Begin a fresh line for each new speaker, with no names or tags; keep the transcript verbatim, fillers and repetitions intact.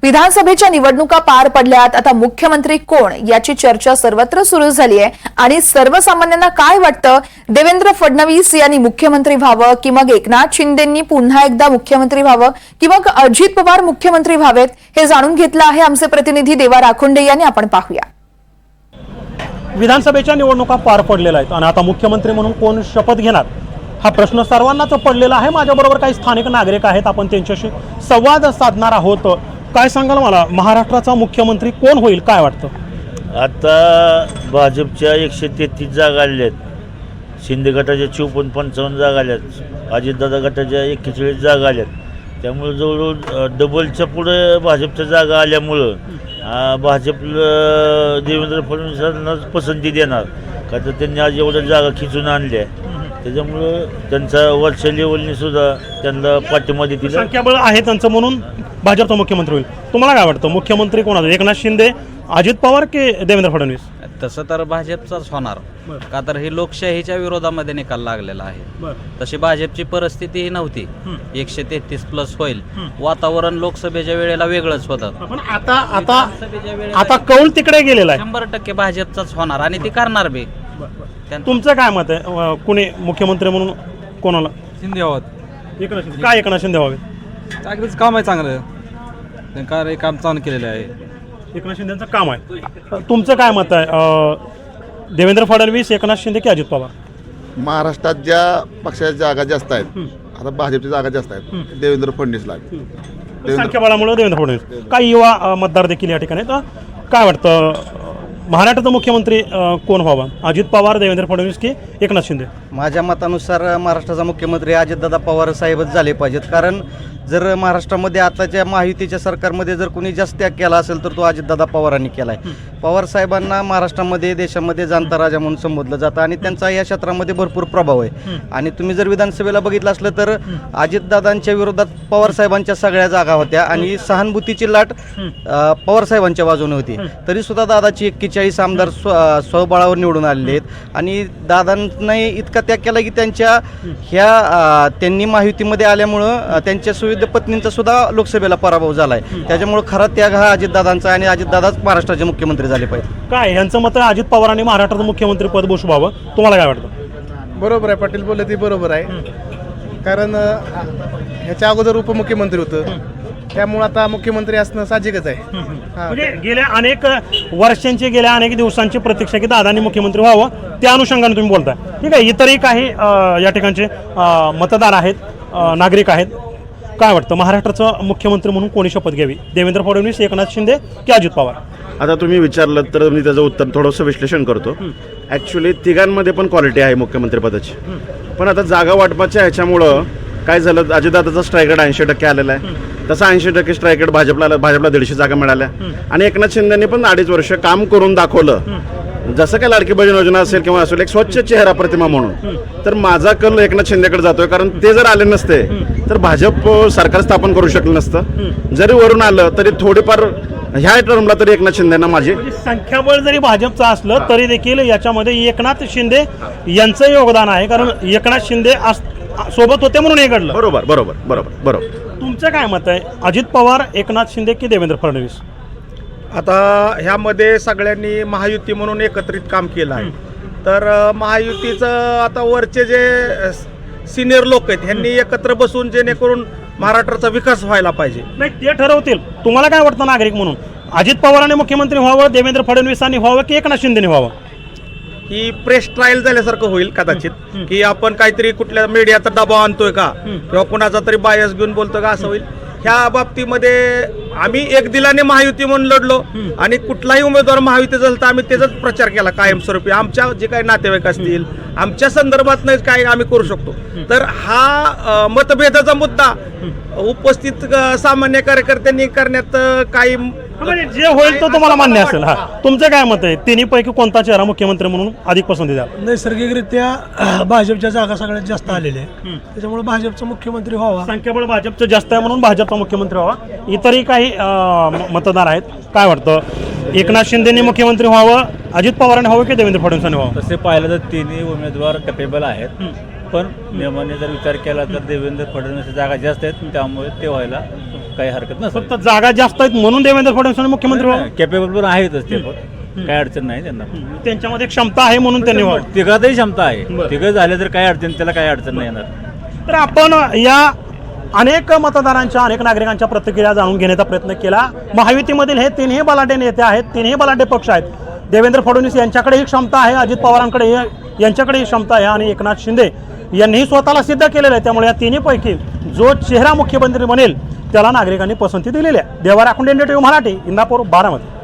विधानसभेच्या निवडणुका पार पडल्यात। आता मुख्यमंत्री कोण याची चर्चा सर्वत्र सुरू झाली आहे आणि सर्वसामान्यांना काय वाटतं, देवेंद्र फडणवीस यांनी मुख्यमंत्री व्हावं की मग एकनाथ शिंदेंनी पुन्हा एकदा मुख्यमंत्री व्हावं की मग अजित पवार मुख्यमंत्री व्हावेत, हे जाणून घेतलं आहे आमचे प्रतिनिधी देवा राखोंडे यांनी। आपण पाहूया।
विधानसभेच्या निवडणुका पार पडलेल्या आहेत आणि आता मुख्यमंत्री म्हणून कोण शपथ घेणार हा प्रश्न सर्वांनाच पडलेला आहे। माझ्याबरोबर काही स्थानिक नागरिक आहेत, आपण त्यांच्याशी संवाद साधणार आहोत। काय सांगाल मला, महाराष्ट्राचा मुख्यमंत्री कोण होईल, काय वाटतं?
आता भाजपच्या एकशे तेहतीस जागा आलेल्या आहेत, शिंदे गटाच्या चौपन्न पंचावन्न जागा आल्या आहेत, अजितदादा गटाच्या एक्केचाळीस जागा आल्या आहेत। त्यामुळे जवळजवळ डबलच्या पुढे भाजपच्या जागा आल्यामुळं भाजपला देवेंद्र फडणवीसांनाच पसंती देणार, का तर त्यांनी आज एवढ्या जागा खिचून आणल्या, त्याच्यामुळं त्यांचा वरच्या लेवलने सुद्धा त्यांना पाठिंबा देतील।
संख्याबळ आहे त्यांचं म्हणून भाजपचा मुख्यमंत्री होईल। तुम्हाला काय वाटतं, मुख्यमंत्री कोणाचं, एकनाथ शिंदे, अजित पवार की देवेंद्र फडणवीस?
तसं तर भाजपचाच होणार, का तर हे लोकशाहीच्या विरोधामध्ये निकाल लागलेला आहे। तशी भाजपची परिस्थिती ही नव्हती, एकशे तेहतीस प्लस होईल, वातावरण लोकसभेच्या वेळेला वेगळंच होतं,
पण आता आता आता कौल तिकडे गेलेला आहे।
शंभर टक्के भाजपचाच होणार आणि ती करणार बी।
तुमचं काय मत आहे, कुणी मुख्यमंत्री म्हणून कोणाला?
शिंदे व्हावं।
एकनाथ शिंदे। काय एकनाथ शिंदे व्हावे?
चांगलंच काम आहे, चांगलं त्यांनी कार्य काम चांगलं केलेलं आहे,
एकनाथ शिंदेचं काम आहे। तुमचं काय मत आहे, देवेंद्र फडणवीस, एकनाथ शिंदे की अजित पवार?
महाराष्ट्रात ज्या पक्षाच्या जागा जास्त आहेत, आता भाजपच्या जागा जास्त आहेत, देवेंद्र फडणवीसला आहेत।
संख्याबळामुळे देवेंद्र फडणवीस। काही युवा अ, मतदार देखील या ठिकाणी आहेत। काय वाटतं, महाराष्ट्राचा मुख्यमंत्री अ, कोण व्हावा, अजित पवार, देवेंद्र फडणवीस की एकनाथ शिंदे?
माझ्या मतानुसार महाराष्ट्राचा मुख्यमंत्री अजितदादा पवार साहेबच झाले पाहिजेत, कारण जर महाराष्ट्रामध्ये आताच्या महायुतीच्या सरकारमध्ये जर कोणी जास्त त्याग केला असेल तर तो अजितदादा पवारांनी केला आहे। पवार साहेबांना महाराष्ट्रामध्ये देशामध्ये जाणता राजा म्हणून संबोधलं जातं आणि त्यांचा या क्षेत्रामध्ये भरपूर प्रभाव आहे। आणि तुम्ही जर विधानसभेला बघितलं असलं तर अजितदादांच्या विरोधात पवार साहेबांच्या सगळ्या जागा होत्या आणि सहानुभूतीची लाट पवार साहेबांच्या बाजूने होती, तरी सुद्धा दादाची एक्केचाळीस आमदार स्व स्वबळावर निवडून आलेले आहेत। आणि दादांनी इतका त्याग केला की त्यांच्या ह्या त्यांनी महायुतीमध्ये आल्यामुळं त्यांच्या सुविध पत्नींचा सुद्धा लोकसभेला पराभव झालाय, त्याच्यामुळे खरा त्याग हा अजितदादांचा आणि अजितदादाच महाराष्ट्राचे मुख्यमंत्री झाले पाहिजे।
काय यांचं मत आहे, अजित पवारांनी महाराष्ट्राचं मुख्यमंत्री पद भूषवावं, तुम्हाला काय वाटतं?
बरोबर आहे, पाटील बोलले ते बरोबर आहे, कारण ह्याच्या अगोदर उपमुख्यमंत्री होतं, त्यामुळे आता मुख्यमंत्री असणं साहजिकच आहे।
म्हणजे गेल्या अनेक वर्षांची, गेल्या अनेक दिवसांची प्रतीक्षा की दादांनी मुख्यमंत्री व्हावं, त्या अनुषंगाने तुम्ही बोलताय, ठीक आहे। इतरही काही अ, या ठिकाणचे अ, मतदार आहेत, अ, नागरिक आहेत। काय वाटतं, महाराष्ट्राचं मुख्यमंत्री म्हणून कोणी शपथ घ्यावी, देवेंद्र फडणवीस, एकनाथ शिंदे की अजित पवार?
आता तुम्ही विचारलं तर मी त्याचं उत्तर थोडंसं विश्लेषण करतो। ॲक्च्युली तिघांमध्ये पण क्वालिटी आहे मुख्यमंत्रीपदाची, पण आता जागा वाटपाच्या ह्याच्यामुळं काय झालं, अजितदादाचा स्ट्राईक रेट ऐंशी टक्के आलेला आहे, तसा ऐंशी टक्के स्ट्राईक रेट भाजपला भाजपला दीडशे जागा मिळाल्या आणि एकनाथ शिंदेने पण अडीच वर्ष काम करून दाखवलं, जसं काय लाडकी बहीण योजना असेल किंवा असेल, एक स्वच्छ चेहरा प्रतिमा म्हणून। तर माझा कल एकनाथ शिंदेकडे जातोय, कारण ते जर आले नसते तर भाजप सरकार स्थापन करू शकलं नसतं। जरी वरून आलं तरी थोडीफार ह्या टर्मला तरी एकनाथ शिंदेना माझी
संख्याबळ जरी भाजपचं असलं तरी देखील याच्यामध्ये एकनाथ शिंदे यांचं योगदान आहे, कारण एकनाथ शिंदे सोबत होते म्हणून हे घडलं।
बरोबर बरोबर बरोबर बरोबर
तुमचं काय मत आहे, अजित पवार, एकनाथ शिंदे की देवेंद्र फडणवीस?
आता ह्यामध्ये सगळ्यांनी महायुती म्हणून एकत्रित काम केलं आहे, तर महायुतीचं आता वरचे जे सिनियर लोक आहेत ह्यांनी एकत्र बसून जेणेकरून महाराष्ट्राचा विकास व्हायला पाहिजे।
नाही, ते ठरवतील। तुम्हाला काय वाटतं नागरिक म्हणून, अजित पवारांनी मुख्यमंत्री व्हावं, देवेंद्र फडणवीसांनी व्हावं की एकनाथ शिंदेने व्हावं?
ही प्रेस ट्रायल झाल्यासारखं होईल कदाचित, की आपण काहीतरी कुठल्या मीडियाचा दबाव आणतोय का किंवा कुणाचा तरी बायस घेऊन बोलतोय का, असं होईल। ह्या बाबतीमध्ये आम्ही एक दिलाने महायुती म्हणून लढलो आणि कुठलाही उमेदवार महायुती झाला तर आम्ही त्याचाच प्रचार केला कायमस्वरूपी, आमच्या जे काही नातेवाईक असतील आमच्या संदर्भात काय आम्ही करू शकतो। तर हा मतभेदाचा मुद्दा उपस्थित सामान्य कार्यकर्त्यांनी करण्यात काही
जे होईल तो तुम्हाला मान्य असेल। हा, तुमचं काय मत आहे, तिन्हीपैकी कोणता चेहरा मुख्यमंत्री म्हणून अधिक पसंती द्या?
नैसर्गिकरित्या भाजपच्या जागा सगळ्यात जास्त आलेल्या आहे, त्याच्यामुळे भाजपचा मुख्यमंत्री व्हावा।
संख्याबळ भाजपचं जास्त आहे म्हणून भाजपचा मुख्यमंत्री व्हावा। इतरही काही मतदार आहेत, काय वाटतं, एकनाथ शिंदेने मुख्यमंत्री व्हावं, अजित पवारांनी व्हावं की देवेंद्र फडणवीसांनी व्हावं?
तसे पाहिलं तर तिन्ही उमेदवार कॅपेबल आहेत,
पण नियमाने जर विचार केला तर देवेंद्र फडणवीस जागा जास्त आहेत, त्यामुळे ते व्हायला काही हरकत नसतं.
फक्त जागा जास्त आहेत म्हणून देवेंद्र फडणवीस मुख्यमंत्री व्हावं.
कॅपेबल पण आहेतच ते, पण काही अडचण नाही त्यांना.
त्यांच्यामध्ये क्षमता आहे म्हणून त्यांनी व्हावं.
तिघातही क्षमता आहे,
बरं.
तिघं झाले तर काही अडचण, त्याला काही अडचण नाही येणार.
तर आपण या अनेक मतदारांच्या अनेक नागरिकांच्या प्रतिक्रिया जाणून घेण्याचा प्रयत्न केला. महायुतीमधील हे तिन्ही बलाढ्य नेते आहेत, तिन्ही बलाढ्य पक्ष आहेत. देवेंद्र फडणवीस यांच्याकडे ही क्षमता आहे, अजित पवारांकडे यांच्याकडे ही क्षमता आहे आणि एकनाथ शिंदे यांनीही स्वतःला सिद्ध केलेलं आहे. त्यामुळे या तिन्हीपैकी जो चेहरा मुख्यमंत्री बनेल त्याला नागरिकांनी पसंती दिलेली आहे. Deva Rakhunde, N D T V Marathi, Indapur, Baramati.